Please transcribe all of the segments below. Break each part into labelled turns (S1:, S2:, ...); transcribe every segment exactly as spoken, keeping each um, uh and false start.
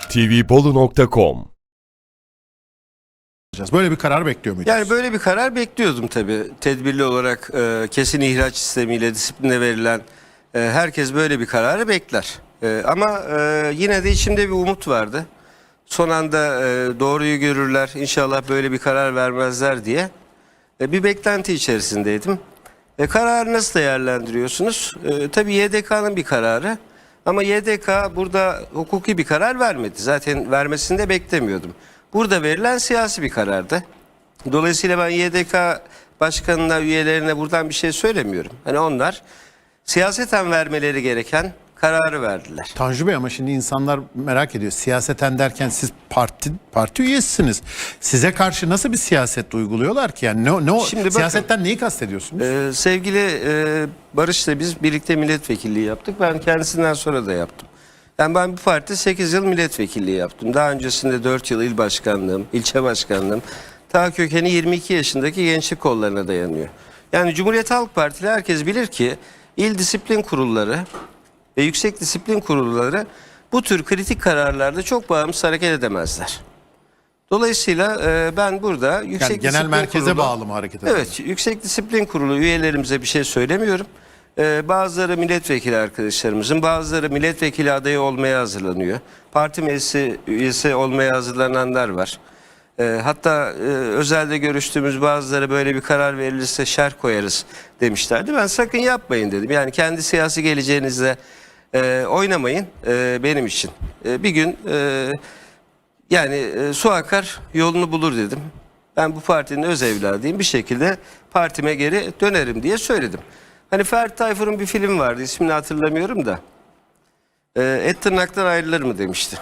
S1: t v bolu nokta com.
S2: Böyle bir karar bekliyor muydunuz?
S3: Yani böyle bir karar bekliyordum tabii. Tedbirli olarak e, kesin ihraç sistemiyle disipline verilen e, herkes böyle bir kararı bekler. E, ama e, yine de içimde bir umut vardı. Son anda e, doğruyu görürler, inşallah böyle bir karar vermezler diye e, bir beklenti içerisindeydim. E, kararı nasıl değerlendiriyorsunuz? E, tabii Y D K'nın bir kararı. Ama Y D K burada hukuki bir karar vermedi. Zaten vermesini de beklemiyordum. Burada verilen siyasi bir karardı. Dolayısıyla ben Y D K başkanına, üyelerine buradan bir şey söylemiyorum. Hani onlar siyaseten vermeleri gereken kararı verdiler.
S2: Tanju Bey, ama şimdi insanlar merak ediyor. Siyaseten derken siz parti parti üyesisiniz. Size karşı nasıl bir siyaset uyguluyorlar ki? Yani ne, ne o
S3: Şimdi bakın,
S2: siyasetten neyi kastediyorsunuz?
S3: Ee, sevgili e, Barış'la biz birlikte milletvekilliği yaptık. Ben kendisinden sonra da yaptım. Yani ben bu parti sekiz yıl milletvekilliği yaptım. Daha öncesinde dört yıl il başkanlığım, ilçe başkanlığım. Ta kökeni yirmi iki yaşındaki gençlik kollarına dayanıyor. Yani Cumhuriyet Halk Partili herkes bilir ki il disiplin kurulları ve yüksek disiplin kurulları bu tür kritik kararlarda çok bağımsız hareket edemezler. Dolayısıyla e, ben burada yüksek
S2: Yani genel
S3: disiplin
S2: merkeze
S3: kurulu,
S2: bağlı mı hareket ediyor?
S3: Evet, yüksek disiplin kurulu üyelerimize bir şey söylemiyorum. Ee, bazıları milletvekili arkadaşlarımızın, bazıları milletvekili adayı olmaya hazırlanıyor. Parti meclisi üyesi olmaya hazırlananlar var. Ee, hatta e, özelde görüştüğümüz bazıları böyle bir karar verilirse şerh koyarız demişlerdi. Ben sakın yapmayın dedim. Yani kendi siyasi geleceğinizle e, oynamayın e, benim için. E, bir gün e, yani e, su akar yolunu bulur dedim. Ben bu partinin öz evladıyım, bir şekilde partime geri dönerim diye söyledim. Hani Ferdi Tayfur'un bir film vardı, ismini hatırlamıyorum da. E, et tırnaktan ayrılır mı demişti.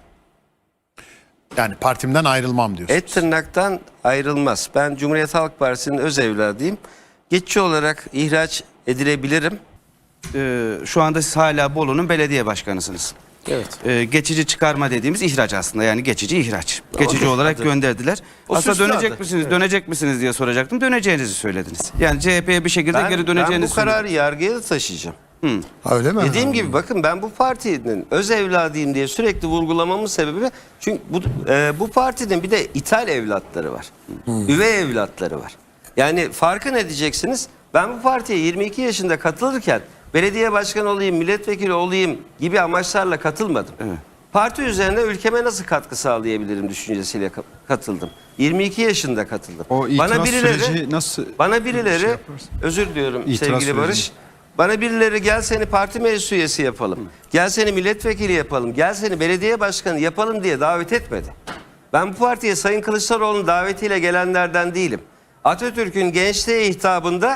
S2: Yani partimden ayrılmam diyorsunuz.
S3: Et tırnaktan ayrılmaz. Ben Cumhuriyet Halk Partisi'nin öz evladıyım. Geçici olarak ihraç edilebilirim.
S4: Ee, şu anda siz hala Bolu'nun belediye başkanısınız.
S3: Evet.
S4: Ee, geçici çıkarma dediğimiz ihraç aslında, yani geçici ihraç. Geçici
S3: Adı-
S4: olarak
S3: adı.
S4: gönderdiler.
S3: O
S4: Aslında
S3: süslü
S4: dönecek
S3: adı.
S4: misiniz,
S3: Evet.
S4: dönecek misiniz diye soracaktım. Döneceğinizi söylediniz. Yani C H P'ye bir şekilde
S3: Ben,
S4: geri
S3: ben
S4: döneceğinizi
S3: bu kararı yargıya da taşıyacağım.
S5: Öyle mi?
S3: Dediğim gibi bakın, ben bu partinin öz evladıyım diye sürekli vurgulamamın sebebi, çünkü bu, e, bu partinin bir de ithal evlatları var. Üvey evlatları var. Yani farkı ne diyeceksiniz? Ben bu partiye yirmi iki yaşında katılırken belediye başkanı olayım, milletvekili olayım gibi amaçlarla katılmadım.
S4: Evet.
S3: Parti üzerine ülkeme nasıl katkı sağlayabilirim düşüncesiyle ka- katıldım. yirmi iki yaşında katıldım.
S5: O itiraz süreci nasıl
S3: bana birileri
S5: şey yaparsın?
S3: özür diliyorum
S5: İtiraz
S3: sevgili
S5: süreci.
S3: Barış. Bana birileri gel seni parti meclis üyesi yapalım. Gel seni milletvekili yapalım. Gel seni belediye başkanı yapalım diye davet etmedi. Ben bu partiye Sayın Kılıçdaroğlu'nun davetiyle gelenlerden değilim. Atatürk'ün gençliğe hitabında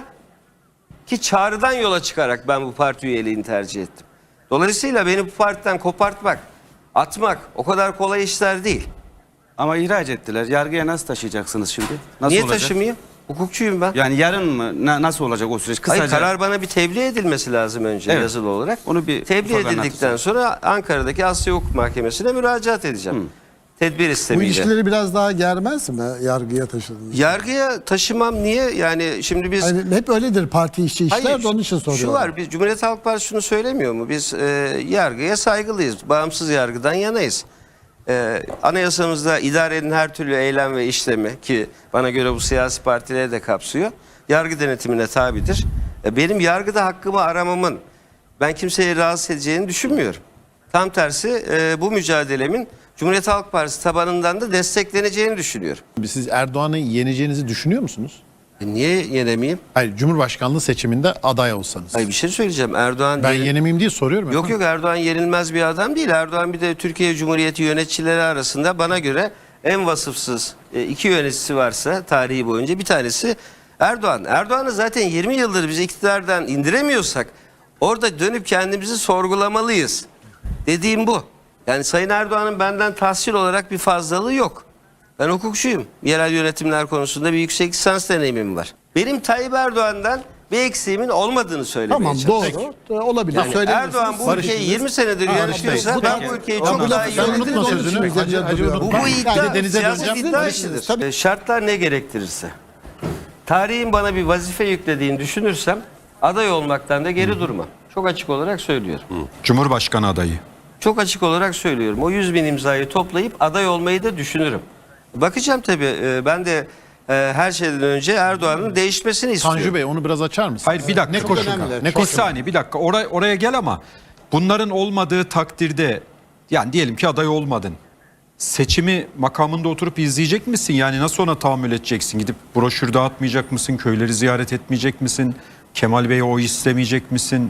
S3: ki çağrıdan yola çıkarak ben bu parti üyeliğini tercih ettim. Dolayısıyla beni bu partiden kopartmak, atmak o kadar kolay işler değil.
S4: Ama ihraç ettiler. Yargıya nasıl taşıyacaksınız şimdi? Nasıl
S3: Niye
S4: olacak?
S3: taşımayayım? Hukukçuyum ben.
S4: Yani yarın mı? Na- nasıl olacak o süreç? Kısaca.
S3: Hayır, karar bana bir tebliğ edilmesi lazım önce,
S4: Evet.
S3: yazılı olarak.
S4: Onu bir
S3: tebliğ
S4: ufak
S3: edildikten
S4: anlatırsanız.
S3: sonra Ankara'daki Asya Hukuk Mahkemesi'ne müracaat edeceğim. Tedbir
S5: Bu
S3: istemiyle.
S5: ilişkileri biraz daha germez mi yargıya taşıdığınız?
S3: Yargıya taşımam niye? Yani şimdi biz...
S5: Hani hep öyledir parti işçi işler
S3: Hayır,
S5: de onun için soruyorum.
S3: şu var, biz Cumhuriyet Halk Partisi şunu söylemiyor mu? Biz e, yargıya saygılıyız. Bağımsız yargıdan yanayız. E, anayasamızda idarenin her türlü eylem ve işlemi, ki bana göre bu siyasi partileri de kapsıyor, yargı denetimine tabidir. E, benim yargıda hakkımı aramamın ben kimseyi rahatsız edeceğini düşünmüyorum. Tam tersi e, bu mücadelemin Cumhuriyet Halk Partisi tabanından da destekleneceğini düşünüyorum.
S2: Siz Erdoğan'ı yeneceğinizi düşünüyor musunuz?
S3: E, niye yenemeyeyim?
S2: Hayır, Cumhurbaşkanlığı seçiminde aday olsanız.
S3: Hayır, bir şey söyleyeceğim. Erdoğan
S2: Ben
S3: yenil-
S2: yenemeyeyim diye soruyorum.
S3: Yok
S2: efendim.
S3: yok, Erdoğan yenilmez bir adam değil. Erdoğan bir de Türkiye Cumhuriyeti yöneticileri arasında bana göre en vasıfsız e, iki yöneticisi varsa tarihi boyunca bir tanesi Erdoğan. Erdoğan'ı zaten yirmi yıldır biz iktidardan indiremiyorsak orada dönüp kendimizi sorgulamalıyız. Dediğim bu. Yani Sayın Erdoğan'ın benden tahsil olarak bir fazlalığı yok. Ben hukukçuyum. Yerel yönetimler konusunda bir yüksek lisans deneyimim var. Benim Tayyip Erdoğan'dan bir eksiğimin olmadığını söylemeye
S5: Tamam,
S3: çalışıyorum.
S5: doğru. Olabilir.
S3: Yani
S5: Söylemesin.
S3: Erdoğan bu
S2: Barış-
S3: ülkeyi yirmi senedir
S2: Ha,
S3: yönetiyorsa
S2: bu
S3: ben
S2: da-
S3: bu ülkeyi
S2: Tamam,
S3: çok
S2: bu
S3: daha
S2: lafı
S3: iyi
S2: sen
S3: yönetirim.
S2: unutma
S5: Onun için
S2: sözünü.
S5: üzerinde
S2: Hacı- Hacı
S5: duruyorum.
S2: unutma.
S3: Bu, bu iddia
S2: Hadi denize
S3: siyaset
S2: döneceğim.
S3: iddia
S5: Barışırız,
S3: işidir.
S5: tabii.
S3: E, Şartlar ne gerektirirse. Tarihin bana bir vazife yüklediğini düşünürsem aday olmaktan da geri durmam. Çok açık olarak söylüyorum.
S6: Cumhurbaşkanı adayı.
S3: çok açık olarak söylüyorum. O yüz bin imzayı toplayıp aday olmayı da düşünürüm. Bakacağım tabii. E, ben de e, her şeyden önce Erdoğan'ın değişmesini istiyorum.
S2: Tanju Bey onu biraz açar mısınız?
S1: Hayır bir dakika.
S2: Ne koşulda?
S5: önemli.
S2: Ne
S1: Bir
S2: koşulda?
S1: saniye bir dakika oraya, oraya gel ama bunların olmadığı takdirde yani diyelim ki aday olmadın. Seçimi makamında oturup izleyecek misin? Yani nasıl ona tahammül edeceksin? Gidip broşür dağıtmayacak mısın? Köyleri ziyaret etmeyecek misin? Kemal Bey'e oy istemeyecek misin?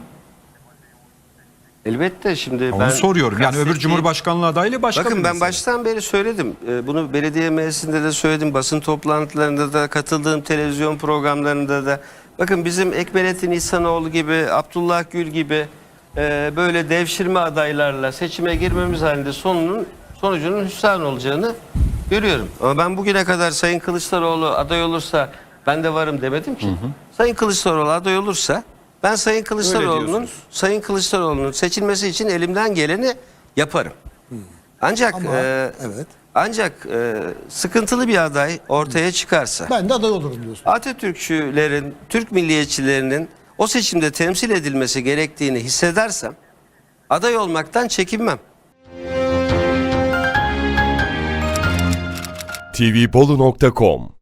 S3: Elbette şimdi
S1: Onu
S3: ben
S1: soruyorum. Yani öbür
S3: kastettiğim-
S1: Cumhurbaşkanlığı adaylı başka
S3: Bakın
S1: bir
S3: ben
S1: mesele.
S3: baştan beri söyledim. Ee, Bunu belediye meclisinde de söyledim. Basın toplantılarında da, katıldığım televizyon programlarında da. Bakın bizim Ekmelettin İhsanoğlu gibi, Abdullah Gül gibi e, böyle devşirme adaylarla seçime girmemiz halinde sonunun sonucunun hüsran olacağını görüyorum. Ama ben bugüne kadar Sayın Kılıçdaroğlu aday olursa ben de varım demedim ki. Sayın Kılıçdaroğlu aday olursa ben Sayın Kılıçdaroğlu'nun
S4: diyorsunuz.
S3: Sayın Kılıçdaroğlu'nun seçilmesi için elimden geleni yaparım. Ancak
S5: Ama,
S3: e,
S5: evet.
S3: ancak e, sıkıntılı bir aday ortaya çıkarsa
S5: Ben de aday olurum diyorsun.
S3: Atatürkçülerin, Türk milliyetçilerinin o seçimde temsil edilmesi gerektiğini hissedersem aday olmaktan çekinmem.
S6: tvbolu nokta com